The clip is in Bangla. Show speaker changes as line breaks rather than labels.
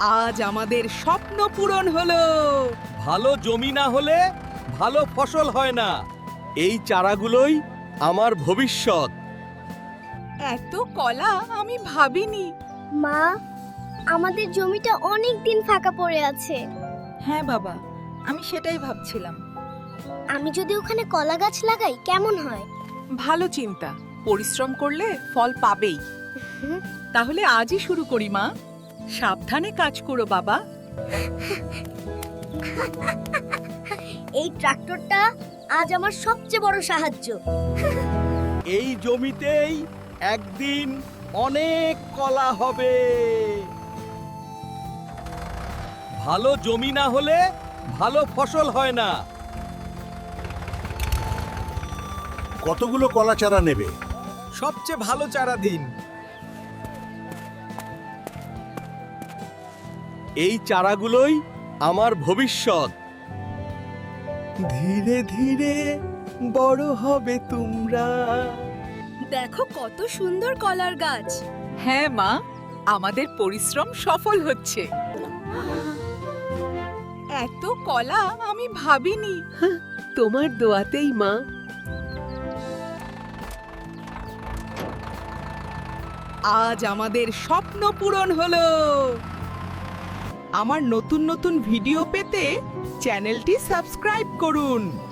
আজ আমাদের স্বপ্ন পূরণ হলো।
ভালো জমি না হলে ভালো ফসল হয় না। এই চারাগুলোই আমার ভবিষ্যৎ।
এত কলা আমি ভাবিনি।
মা, আমাদের জমিটা অনেক দিন ফাঁকা পড়ে আছে।
হ্যাঁ বাবা, আমি সেটাই ভাবছিলাম।
আমি যদি ওখানে কলা গাছ লাগাই কেমন হয়?
ভালো চিন্তা, পরিশ্রম করলে ফল পাবেই। তাহলে আজই শুরু করি মা। সাবধানে কাজ করো বাবা।
এই ট্রাক্টরটা আজ আমার সবচেয়ে বড় সাহায্য।
এই জমিতেই একদিন অনেক কলা হবে। ভালো জমি না হলে ভালো ফসল হয় না।
কতগুলো কলা চারা নেবে?
সবচেয়ে ভালো চারা দিন। এই চারাগুলোই আমার ভবিষ্যৎ। ধীরে ধীরে বড় হবে তোমরা।
দেখো কত সুন্দর কলার গাছ।
হ্যাঁ মা, আমাদের পরিশ্রম সফল হচ্ছে। এত কলা আমি ভাবিনি।
তোমার দোয়াতেই মা।
আজ আমাদের স্বপ্ন পূরণ হলো। আমার নতুন নতুন ভিডিও পেতে চ্যানেলটি সাবস্ক্রাইব করুন।